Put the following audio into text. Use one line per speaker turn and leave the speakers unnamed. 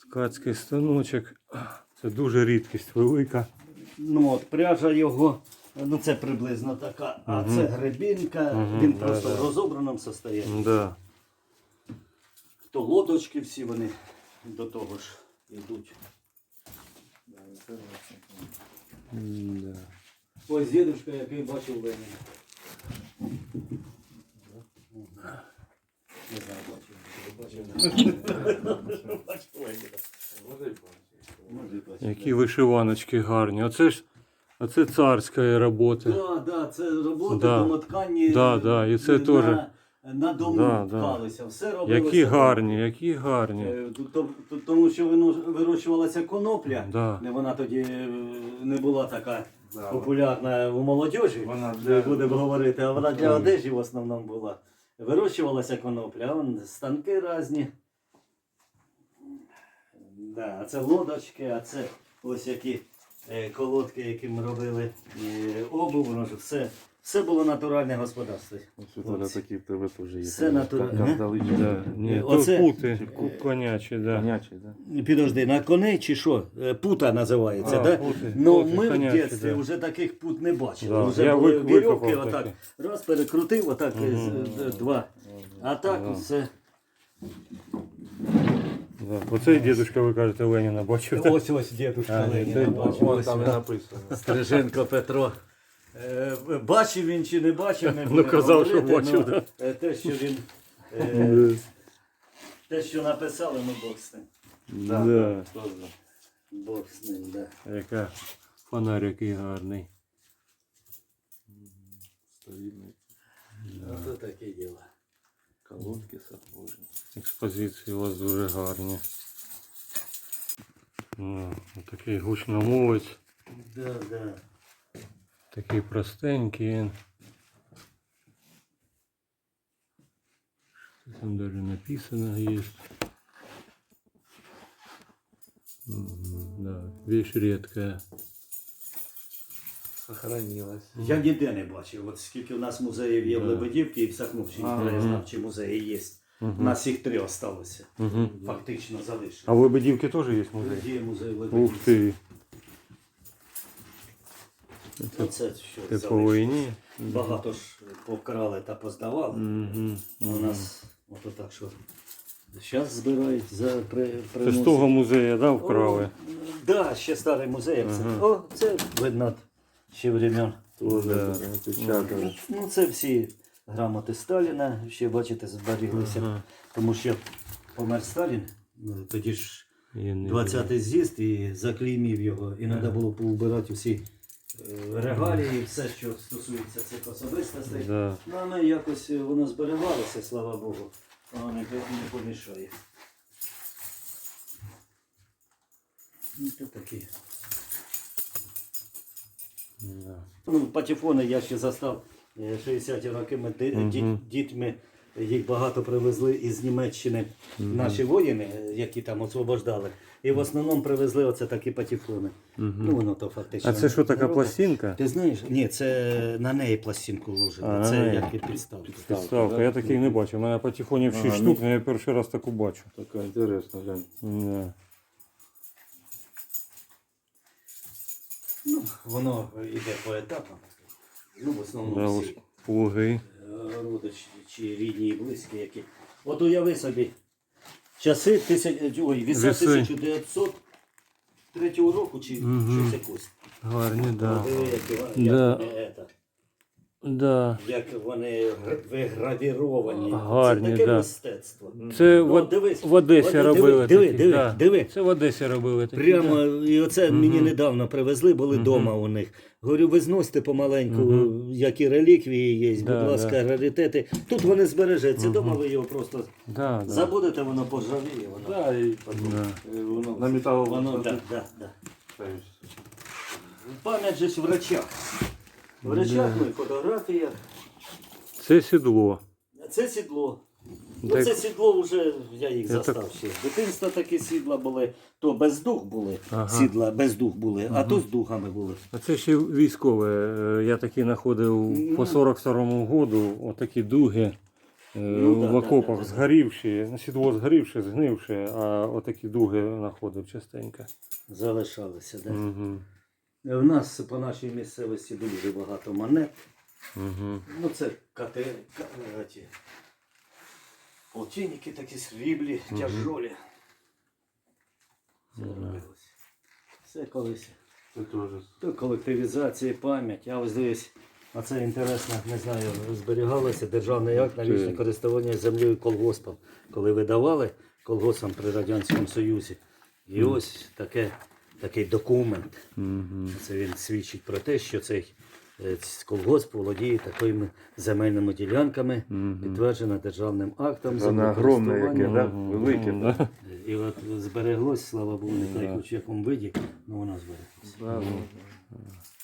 Ткацький станочок. Це дуже рідкість велика.
Ну от, пряжа його, ну це приблизно така, а це гребінка, він просто в розобраному состоянні.
Да.
То лодочки всі вони до того ж йдуть.
Да.
Ось дідушка, який бачив Леніна. Не знаю, бачив Леніна.
Які вишиваночки гарні. Оце царська робота.
Так, да, це роботи
Да.
домотканні
Да, і це теж.
на дому ткалися. Все робилося.
Які гарні, які гарні.
Тому що вирощувалася конопля,
Да.
вона тоді не була така популярна у молодіжі, не будемо говорити, а вона для одежі в основному була. Вирощувалася конопля, а вон станки різні. Да, а це лодочки, а це ось які колодки, які ми робили, обув, воно ж все було натуральне господарство.
Світоля, такі в тебе теж є.
Все натуральне.
Да. Ні,
Оце-
то пути конячі, да.
Конячий, да?
Підожди, на коней чи що? Пута називається,
А,
да?
пути,
Ну
пути,
ми в
конячі,
дитинстві
да.
вже таких пут не бачили.
Да,
Вже
я
були
викопав
вірьовки, отак,
такі.
раз перекрутив, отак два. А так все.
Да. Оцей дідушка, ви кажете, Леніна бачив. так?
Ось дідушка
це-
Леніна бачив.
Вон
Ось
там і
він.
написано.
Стриженко Петро. Бачив він чи не бачив, не буде
казав, що
говорити,
бачив,
ну,
да.
те, що він те, що написали, ну Бог з ним.
Да.
Бог з ним, да.
Яка фонарь який гарний.
Старинний.
Ото таке діло.
Колодки сапожні.
Експозиції у вас дуже гарні. Ну, такий гучномовець,
Да, да.
такий простенький він. Що там даже написано є. Да, вещь редкая.
Сохранилась.
Я ніде не бачив. От скільки у нас музеїв є в Лебедівці і в Сахновщині, краєзнавчі музеї є. У нас їх 3 осталося. Фактично залишилося.
А в Лебедівці теж є музей?
Є музей в
Ух
Лебедівці.
ти.
Оце що
Це по
залишилося.
війні.
Багато ж покрали та поздавали. У нас ото так, що зараз збирають за
Це з
приносять.
того музею, да, вкрали?
Да, ще старий музей. Як це. О, це видно ще времен.
Тоже печатали.
Ну це всі грамоти Сталіна, ще бачите, зберіглися. Тому що помер Сталін, ну, тоді ж
Я не
20-й з'їзд і заклеймів його. І треба було поубирати всі регалії, все, що стосується цих особистостей.
Да.
Ну, але якось воно зберігалося, слава Богу, воно не помішає. Ну, то такі.
Да.
Ну, патефони я ще застав 60-ті роки, ми дітьми, їх багато привезли із Німеччини наші воїни, які там освобождали. І в основному привезли оце такі патефони. Ну, воно то фактично.
А це що, така
робить.
пластинка?
Ти знаєш? Ні, це на неї пластинку вложили.
А, на
Це
неї.
як і підставка.
Підставка. Я таких не бачив. У мене патефонів 6 штук, але я перший раз таку бачу.
Така інтересна, глянь.
Да.
Ну, воно йде по етапам. Ну, в
Да,
основному
ось
всі
плуги.
родичі чи рідні і близькі, які. От уяви собі, часи віса
Віси.
1903 року чи щось якось.
Гарні, да.
Диви,
Да. Да.
як вони вигравіровані.
Гарні,
це таке
да.
мистецтво.
Це
Ну, дивись,
в Одесі
диви,
робили
диви,
такі.
диви,
да.
диви.
Це в Одесі робили такі.
Прямо,
да.
і оце мені недавно привезли, були вдома у них. Говорю, ви зносите помаленьку, які реліквії є, будь
Да,
ласка, раритети. Тут вони збережеться, вдома ви його просто
Да, да.
забудете, воно поржавіє. Воно.
Да, і
Воно,
на металу
воно, да. Пам'ять же ж в речах. В речах, ну і фотографіях.
Це сідло.
Це сідло. Ну,
Так.
це сідло вже, я їх
Я
застав ще. З дитинства такі сідла були, то без дух були,
Ага.
сідла без дух були, а то з духами були.
А це ще військове. Я такі знаходив по 42-му году, отакі дуги
Ну,
в окопах згорівші, на сідло згорівши, згнивши, а отакі дуги знаходив частенько.
Залишалися, да?
Угу.
У нас по нашій місцевості дуже багато монет.
Угу.
Ну це ті полтинники такі сріблі, тяжолі. Це робилось. Все колись.
Це теж.
То колективізація, пам'ять. А ось дивись, а це інтересно, не знаю, зберігалося державний акт на вічне користування землею колгоспом, коли видавали колгоспам при Радянському Союзі. І ось такий документ.
Угу.
Це він свідчить про те, що цей колгосп володіє такими земельними ділянками, підтверджено державним актом.
Воно огромне яке,
землекористування.
да? Велике.
Да.
І от збереглось, слава Богу, не знаю, хоч в якому виді, але воно збереглося.
Да, да, да.